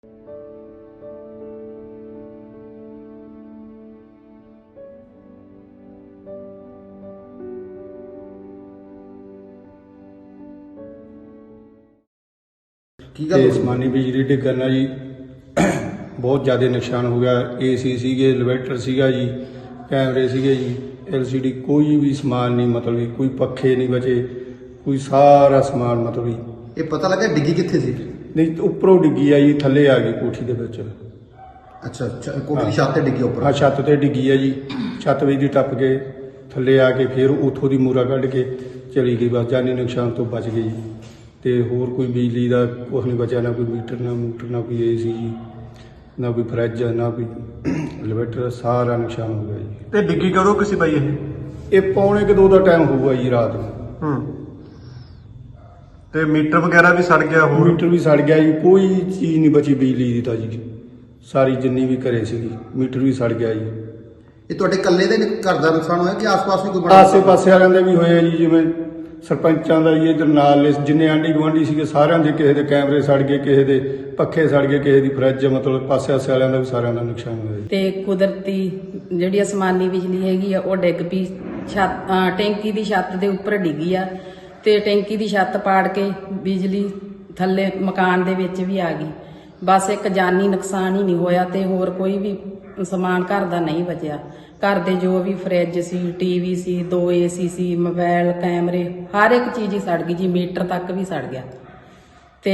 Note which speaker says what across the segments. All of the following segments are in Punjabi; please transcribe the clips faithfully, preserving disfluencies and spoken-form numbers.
Speaker 1: ਤੇ ਅਸਮਾਨੀ ਬਿਜਲੀ ਡਿੱਗਣ ਨਾਲ ਜੀ ਬਹੁਤ ਜ਼ਿਆਦਾ ਨੁਕਸਾਨ ਹੋ ਗਿਆ। ਏਸੀ ਸੀਗੇ, ਇਨਵਰਟਰ ਸੀਗਾ ਜੀ, ਕੈਮਰੇ ਸੀਗੇ ਜੀ, ਐਲਸੀਡੀ, ਕੋਈ ਵੀ ਸਮਾਨ ਨਹੀਂ, ਮਤਲਬ ਵੀ ਕੋਈ ਪੱਖੇ ਨਹੀਂ ਬਚੇ, ਕੋਈ ਸਾਰਾ ਸਮਾਨ ਮਤਲਬ ਵੀ।
Speaker 2: ਇਹ ਪਤਾ ਲੱਗਾ ਡਿੱਗੀ ਕਿੱਥੇ ਸੀ?
Speaker 1: ਨਹੀਂ, ਉੱਪਰੋਂ ਡਿੱਗੀ ਆ ਜੀ, ਥੱਲੇ ਆ ਗਈ ਕੋਠੀ ਦੇ ਵਿੱਚ।
Speaker 2: ਅੱਛਾ ਅੱਛਾ, ਕੋਠੀ ਦੀ ਛੱਤ ਤੇ ਡਿੱਗੀ ਉੱਪਰ?
Speaker 1: ਹਾਂ, ਛੱਤ ਤੇ ਡਿੱਗੀ ਆ ਜੀ। ਛੱਤ ਵਿੱਚ ਦੀ ਟੱਪ ਕੇ ਥੱਲੇ ਆ ਕੇ ਫਿਰ ਉੱਥੋਂ ਦੀ ਮੂਰਾ ਕੱਢ ਕੇ ਚਲੀ ਗਈ। ਬਸ ਜਾਨੀ ਨੁਕਸਾਨ ਤੋਂ ਬਚ ਗਈ ਜੀ। ਤੇ ਹੋਰ ਕੋਈ ਬਿਜਲੀ ਦਾ ਕੁਛ ਨਹੀਂ ਬਚਿਆ, ਨਾ ਕੋਈ ਮੀਟਰ, ਨਾ ਮੂਟਰ, ਨਾ ਕੋਈ ਏਸੀ ਜੀ, ਨਾ ਕੋਈ ਫਰਿੱਜ, ਨਾ ਕੋਈ ਇਨਵਰਟਰ, ਸਾਰਾ ਨੁਕਸਾਨ ਹੋ ਗਿਆ ਜੀ।
Speaker 3: ਤੇ ਡਿੱਗੀ ਕਦੋਂ ਕਿਸੇ ਬਾਈ ਇਹ?
Speaker 1: ਇਹ ਪੌਣੇ ਕੁ ਦੋ ਦਾ ਟਾਈਮ ਹੋਊਗਾ ਜੀ, ਰਾਤ ਨੂੰ।
Speaker 3: ਹੂੰ। ਤੇ ਮੀਟਰ ਵਗੈਰਾ ਵੀ ਸੜ ਗਿਆ? ਹੋਰ
Speaker 1: ਮੀਟਰ ਵੀ ਸੜ ਗਿਆ ਜੀ, ਕੋਈ ਚੀਜ਼ ਨਹੀਂ ਬਚੀ ਬਿਜਲੀ ਦੀ ਤਾਂ ਜੀ। ਸਾਰੀ ਜਿੰਨੀ ਵੀ ਘਰੇ ਸੀਗੀ, ਮੀਟਰ ਵੀ ਸੜ ਗਿਆ ਜੀ।
Speaker 2: ਇਹ ਤੁਹਾਡੇ ਇਕੱਲੇ ਦੇ ਘਰ ਦਾ ਨੁਕਸਾਨ ਹੋਇਆ ਕਿ ਆਸ-ਪਾਸ ਵੀ ਕੋਈ ਬੜਾ?
Speaker 1: ਆਸੇ ਪਾਸੇ ਵਾਲਿਆਂ ਦੇ ਵੀ ਹੋਏ ਆ ਜੀ, ਜਿਵੇਂ ਸਰਪੰਚਾਂ ਦਾ ਜੀ, ਇਧਰ ਨਾਲ ਜਿੰਨੇ ਆਂਢੀ ਗੁਆਂਢੀ ਸੀਗੇ ਸਾਰਿਆਂ ਦੇ, ਕਿਸੇ ਦੇ ਕੈਮਰੇ ਸੜ ਗਏ, ਕਿਸੇ ਦੇ ਪੱਖੇ ਸੜ ਗਏ, ਕਿਸੇ ਦੀ ਫਰਿੱਜ, ਮਤਲਬ ਪਾਸੇ ਆਸੇ ਵਾਲਿਆਂ ਦਾ ਵੀ ਸਾਰਿਆਂ ਦਾ ਨੁਕਸਾਨ ਹੋਇਆ ਜੀ।
Speaker 4: ਤੇ ਕੁਦਰਤੀ ਜਿਹੜੀ ਅਸਮਾਨੀ ਬਿਜਲੀ ਹੈਗੀ ਆ ਉਹ ਡਿੱਗ ਪਈ, ਛੱਤ ਅਹ ਟੈਂਕੀ ਦੀ ਛੱਤ ਦੇ ਉੱਪਰ ਡਿੱਗੀ ਆ ਤੇ ਟੈਂਕੀ ਦੀ ਛੱਤ ਪਾੜ ਕੇ ਬਿਜਲੀ ਥੱਲੇ ਮਕਾਨ ਦੇ ਵਿੱਚ ਵੀ ਆ ਗਈ। ਬਸ ਇੱਕ ਜਾਨੀ ਨੁਕਸਾਨ ਹੀ ਨਹੀਂ ਹੋਇਆ ਤੇ ਹੋਰ ਕੋਈ ਵੀ ਸਮਾਨ ਘਰ ਦਾ ਨਹੀਂ ਬਚਿਆ। ਘਰ ਦੇ ਜੋ ਵੀ ਫਰਿੱਜ ਸੀ, ਟੀਵੀ ਸੀ, ਦੋ ਏਸੀ ਸੀ, ਮੋਬਾਈਲ, ਕੈਮਰੇ, ਹਰ ਇੱਕ ਚੀਜ਼ ਹੀ ਸੜ ਗਈ ਜੀ। ਮੀਟਰ ਤੱਕ ਵੀ ਸੜ ਗਿਆ। ਤੇ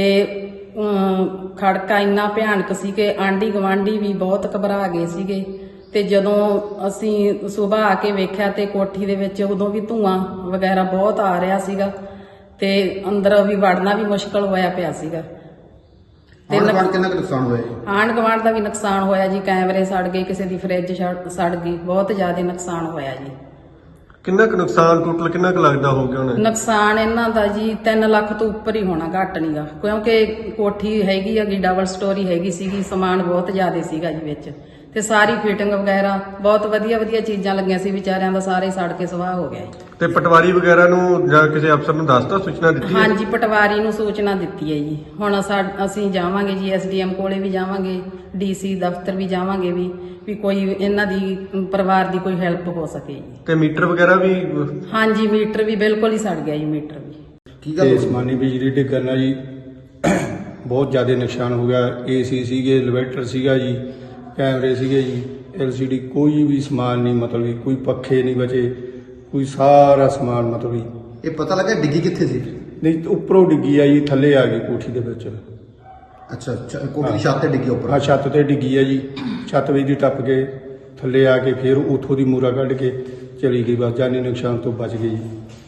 Speaker 4: ਖੜਕਾ ਇੰਨਾ ਭਿਆਨਕ ਸੀ ਕਿ ਆਂਢੀ ਗਵਾਂਢੀ ਵੀ ਬਹੁਤ ਘਬਰਾ ਗਏ ਸੀਗੇ। ਤੇ ਜਦੋਂ ਅਸੀਂ ਸਵੇਰ ਆ ਕੇ ਵੇਖਿਆ ਤੇ ਕੋਠੀ ਦੇ ਵਿੱਚ ਉਦੋਂ ਵੀ ਧੂਆਂ ਵਗੈਰਾ ਬਹੁਤ ਆ ਰਿਹਾ ਸੀਗਾ ਤੇ ਅੰਦਰ ਵੀ ਵੜਨਾ ਵੀ ਮੁਸ਼ਕਲ ਹੋਇਆ ਪਿਆ ਸੀਗਾ।
Speaker 2: ਤੇ ਕਿੰਨਾ ਕੁ ਨੁਕਸਾਨ ਹੋਇਆ ਜੀ?
Speaker 4: ਆਂਢ ਗੁਆਂਢ ਦਾ ਵੀ ਨੁਕਸਾਨ ਹੋਇਆ ਜੀ। ਕੈਮਰੇ ਸੜ ਗਏ, ਕਿਸੇ ਦੀ ਫਰਿੱਜ ਸੜ ਗਈ, ਬਹੁਤ ਜ਼ਿਆਦਾ ਨੁਕਸਾਨ ਹੋਇਆ ਜੀ।
Speaker 3: ਕਿੰਨਾ ਕੁ ਨੁਕਸਾਨ ਟੋਟਲ ਕਿੰਨਾ ਕੁ ਲੱਗਦਾ ਹੋ ਗਿਆ ਹੁਣ?
Speaker 4: ਨੁਕਸਾਨ ਇਹਨਾਂ ਦਾ ਜੀ ਤਿੰਨ ਲੱਖ ਤੋਂ ਉੱਪਰ ਹੀ ਹੋਣਾ, ਘੱਟ ਨਹੀਂਗਾ, ਕਿਉਂਕਿ ਕੋਠੀ ਹੈਗੀ ਹੈਗੀ ਡਬਲ ਸਟੋਰੀ ਹੈਗੀ ਸੀਗੀ, ਸਮਾਨ ਬਹੁਤ ਜ਼ਿਆਦਾ ਸੀਗਾ ਜੀ ਵਿੱਚ। ਤੇ ਸਾਰੀ ਫਿਟਿੰਗ ਵਗੈਰਾ ਬਹੁਤ ਵਧੀਆ ਵਧੀਆ ਚੀਜ਼ਾਂ ਲੱਗੀਆਂ ਸੀ, ਵਿਚਾਰਿਆਂ ਦਾ ਸਾਰੇ ਸੜ ਕੇ ਸਵਾਹ ਹੋ ਗਿਆ ਜੀ।
Speaker 3: ਤੇ ਪਟਵਾਰੀ ਵਗੈਰਾ ਨੂੰ ਜਾਂ ਕਿਸੇ ਅਫਸਰ ਨੂੰ ਦੱਸਤਾ, ਸੂਚਨਾ ਦਿੱਤੀ ਹੈ?
Speaker 4: ਹਾਂਜੀ, ਪਟਵਾਰੀ ਨੂੰ ਸੂਚਨਾ ਦਿੱਤੀ ਹੈ ਜੀ। ਹੁਣ ਅਸੀਂ ਜਾਵਾਂਗੇ ਜੀ, ਐਸਡੀਐਮ ਕੋਲੇ ਵੀ ਜਾਵਾਂਗੇ, ਡੀਸੀ ਦਫ਼ਤਰ ਵੀ ਜਾਵਾਂਗੇ ਵੀ ਵੀ ਕੋਈ ਇਹਨਾਂ ਦੀ ਪਰਿਵਾਰ ਦੀ ਕੋਈ ਹੈਲਪ ਹੋ ਸਕੇ ਜੀ।
Speaker 3: ਤੇ ਮੀਟਰ ਵਗੈਰਾ ਵੀ?
Speaker 4: ਹਾਂਜੀ, ਮੀਟਰ ਵੀ ਬਿਲਕੁਲ ਹੀ ਸੜ ਗਿਆ ਜੀ, ਮੀਟਰ ਵੀ।
Speaker 2: ਕੀ ਗੱਲ?
Speaker 1: ਤੇ ਅਸਮਾਨੀ ਬਿਜਲੀ ਡਿੱਗਣ ਨਾਲ ਜੀ ਬਹੁਤ ਜ਼ਿਆਦਾ ਨੁਕਸਾਨ ਹੋ ਗਿਆ। ਏਸੀ ਸੀਗੇ, ਇਨਵਰਟਰ ਸੀਗਾ ਜੀ, ਕੈਮਰੇ ਸੀਗੇ ਜੀ, ਐਲਸੀਡੀ, ਕੋਈ ਵੀ ਸਮਾਨ ਨਹੀਂ, ਮਤਲਬ ਵੀ ਕੋਈ ਪੱਖੇ ਨਹੀਂ ਬਚੇ, ਕੋਈ ਸਾਰਾ ਸਮਾਨ ਮਤਲਬ ਵੀ।
Speaker 2: ਇਹ ਪਤਾ ਲੱਗਾ ਡਿੱਗੀ ਕਿੱਥੇ ਸੀ?
Speaker 1: ਨਹੀਂ, ਉੱਪਰੋਂ ਡਿੱਗੀ ਆ ਜੀ, ਥੱਲੇ ਆ ਗਈ ਕੋਠੀ ਦੇ ਵਿੱਚ।
Speaker 2: ਅੱਛਾ ਅੱਛਾ, ਕੋਠੀ ਦੀ ਛੱਤ ਤੇ ਡਿੱਗੀ ਉੱਪਰ?
Speaker 1: ਹਾਂ, ਛੱਤ ਤੇ ਡਿੱਗੀ ਆ ਜੀ। ਛੱਤ ਵਿੱਚ ਦੀ ਟੱਪ ਕੇ ਥੱਲੇ ਆ ਕੇ ਫਿਰ ਉੱਥੋਂ ਦੀ ਮੂਰਾ ਕੱਢ ਕੇ ਚਲੀ ਗਈ। ਬਸ ਜਾਨੀ ਨੁਕਸਾਨ ਤੋਂ ਬਚ ਗਈ ਜੀ।